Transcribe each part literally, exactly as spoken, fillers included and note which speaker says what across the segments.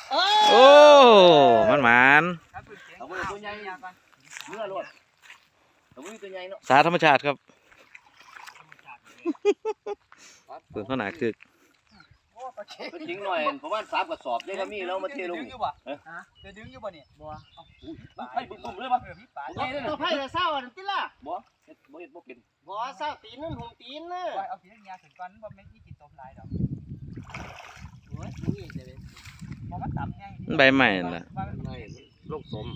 Speaker 1: โอ้มันหมานสาธรรมชาติครับเปิดข้างหน้าคือ
Speaker 2: จริงหน่อยประมาณสามกระสอบได้ก็มีแล้วมาเทลง
Speaker 3: จะดึงอยู่บ่เนี่ยบ่เอา
Speaker 2: ไผ่บุ้มเลยป่ะ
Speaker 3: ตัวไผ่จะเศร้าอันติล่ะ
Speaker 2: บ่บ่เห็นบ่เป็น
Speaker 3: บ่เศร้าตีนนั่นหุ่มตีนเนอะ
Speaker 4: เอาตีนยาถึงก่อนบ่ไม่มีกินตบหลายดอก
Speaker 3: โอ้ยนี่จะเป็น
Speaker 4: บ่มันต่ำไง
Speaker 1: ใบใหม่น่ะ
Speaker 2: โรคสม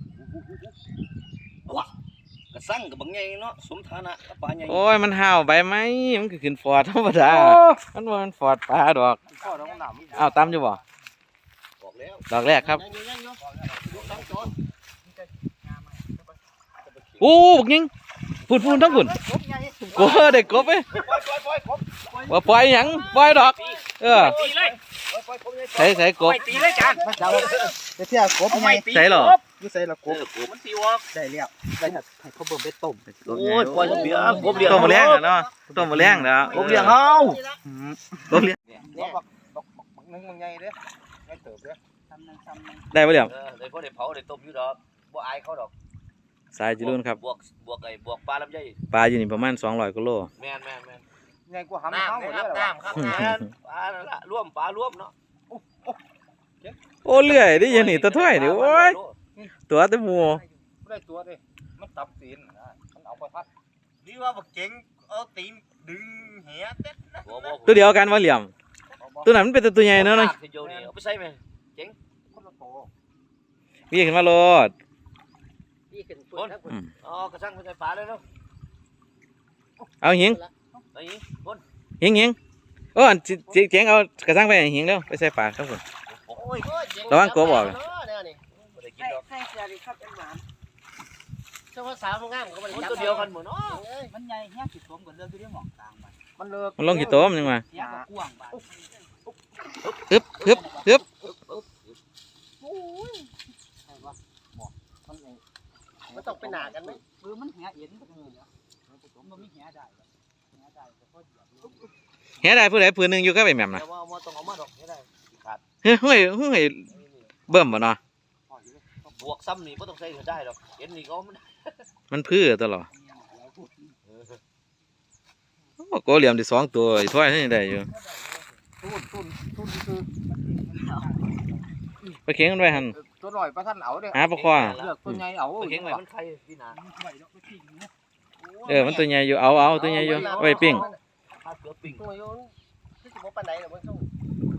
Speaker 2: ว้ากระสั่งกับบางไงเนาะสมฐานะกับปลาใหญ่
Speaker 1: โอ้ยมันห่าวใบไม้มันก็ขึ้นฟอร์ดธรรมดามันว่ามันฟอร์ดปลาดอกอ้าวตามอยู่บ่ดอกแรกครับโอ้บักยิงฝุ่นฝุ่นทั้งฝุ่นกบเด็กกบเอ้ยว่าปล่อยหยังปล่อยดอกเออใส่ใส่กบ
Speaker 4: ตีเลยจาน
Speaker 3: จะเที่ยวกบไง
Speaker 1: ใส่หรอ
Speaker 3: อยู่ใส่ละกบ
Speaker 4: มันตีวอก
Speaker 3: ได้แล้วได้ครับให้เขาเบิ่มไปต้ม
Speaker 2: โอ้ยปล่อยเบี้ยกบเลี้ยง
Speaker 1: ต้มมาเลี้ยงเนาะต้มมาเลี้ยงแล้ว
Speaker 2: กบเลี้ยงเฮาก
Speaker 1: บเลี้ยง
Speaker 3: เนี่ยบักบักบักนึงมันใหญ่เด้อใหญ่เติบเด้อ
Speaker 1: ได้ปะเดี๋ยว
Speaker 2: ได้พอได้เผาได้ต้มอยู่ดอกบ่อายเขาดอก
Speaker 1: สายจิรุ่นครับ
Speaker 2: บวกบวกไอ้บวกปลาลำไย
Speaker 1: ปลาอยู่นี่ประมาณสองร้อยกิโล
Speaker 2: แม่นแม่นแม่น
Speaker 3: ใหญ่กว่าหำเขาหมดเลย
Speaker 2: น้ำครับน้ำปลาละร่วมปลาร่วมเนาะ
Speaker 1: โอ้เลื่อยดิยันนี่ตัวถ้วยดิโอ้ยตัวตัวหมู
Speaker 3: ไม่ได้ตัวดิมันตับตีนมันเอาไปพัดนี่ว่าบักเจ๋งเอาตีนดึงเหี้ยเต็ดนะ
Speaker 1: ตัวเดียวกันว่าเหลี่ยมตัวนั้นมันเป็นตัวใหญ่เนาะ
Speaker 2: เอาไปใส่ไหมเจ๋ง
Speaker 1: วิ่งขึ้นมาโลด
Speaker 2: อ๋อกระชังไปใส่ปลาเลยเนาะ
Speaker 1: เอาหิงหิงหิงโอ้เจ๋งเอากระชังไปหิงแล้วไปใส่ปลาครับผมระวังกบบอก
Speaker 3: ใส่เสื้อดิครับเป็นหวานเจ้าสาวมันงามก็มัน
Speaker 2: ตัวเดียวกันหมดเนาะ
Speaker 4: มันใหญ่แค่สิบตัวเหมือนเรื่องที่เรื่องหมองกลาง
Speaker 3: มันเลิก
Speaker 1: มันลงกี่ตัวมันยังไง
Speaker 4: กว้างบ้าน
Speaker 1: ฮึบฮึบฮึบ
Speaker 3: มันต้องเป็นหนากันไหม
Speaker 4: คือมันแหเอ็นก็คือแล้วมันไม่แหได้แหได้แต่ก็
Speaker 1: แหได้ผู้ใดผู้หนึ่งอยู่ก็ไปแม่มนะเฮ้ยเฮ้ยเฮ้ยเบิ่มบ่เนาะ
Speaker 2: บวกซ้ำนี่ไม่ต้องใส่ได้หรอกเอ็นนี่ก็มัน
Speaker 1: มันพื้อตลอดโกเหลี่ยมที่สองตัวถ้วยนี่ได้อยู่ไปเข็งกันไว้หัน
Speaker 3: ตัวหน่อยปลาท่านเอาเด้อ
Speaker 1: หาปลาคว้า
Speaker 3: เลือกตัวใหญ่เอา
Speaker 2: เข็งไว้มันไข่พี่นา
Speaker 1: เออมันตัวใหญ่อยู่เอาเอาตัวใหญ่อยู่ไว้ปิ้ง
Speaker 3: ตัวโยนที่สิบปลาไหนหรอมันสู้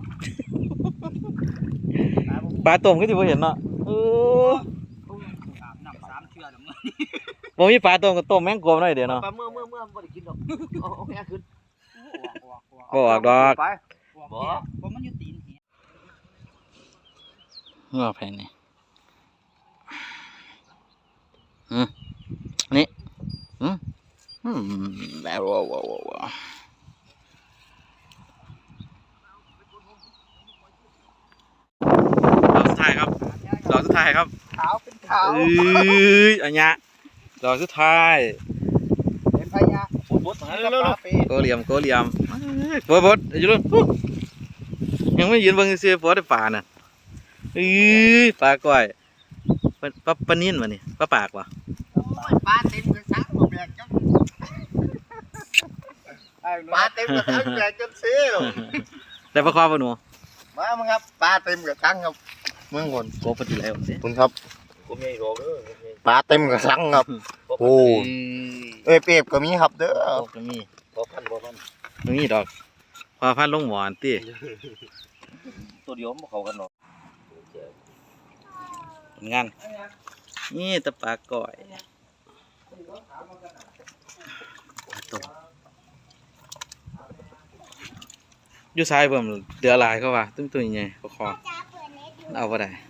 Speaker 1: ปลาต้มก็ที่ผมเห็นเนาะเออบ่มีปลาต้มก็ต้มแมงกบหน่อยเดี๋ยวเนาะ
Speaker 2: ปลาเมื่อเมื่อเมื่อบ่ได้กินดอกเอาเอาแค่ขึ้น
Speaker 1: บ่ออกดอก
Speaker 4: บ่บ่มันอยู่ตีนเหี้ย
Speaker 1: เงาแผ่นนี่อืมนี่อืมอืมแบบว้าวว้าวว้าวดอกสุดท้ายครับดอกสุดท้ายครับ
Speaker 3: ขาวเป็นขาว
Speaker 1: เอ้ยอันเนี้ยดอกสุดท้าย
Speaker 3: เป็นพญา
Speaker 1: โกเหลี่ยมโกเหลี่ยมบดบดอยู่รุ่นยังไม่ยืนบนเสือปอได้ป่าน่ะเอ้ยปลาก้อยปลาปลาปลานิ่นวะนี่ปลาปากวะ
Speaker 3: ปลาเต็มกระชังหมดเลยจังปลาเต็มกระชังเลยจังซี
Speaker 1: แต่ปลาคอปลาหนู
Speaker 3: มามั้งครับปลาเต็มกระชังครับเมืองคน
Speaker 1: โกปลาที่แล้ว
Speaker 3: คุณครับ
Speaker 2: ผมใหญ่โตเด้อ
Speaker 3: ปลาเต็มกระชังครับโอ้เอ้ยเปียบก็มีครับเด้อ
Speaker 1: ก็มี
Speaker 2: พอพันพอพัน
Speaker 1: มีดอกพอพันลงหวานตี
Speaker 2: ตัวเดียวมันเข้ากันหรอก
Speaker 1: ผลงานนี่ตะปลาก่อยตัวอยู่ซ้ายเบิ่มเดือลายเข้าว่าตึ้งตัวใหญ่ปลาคอเอาไปได้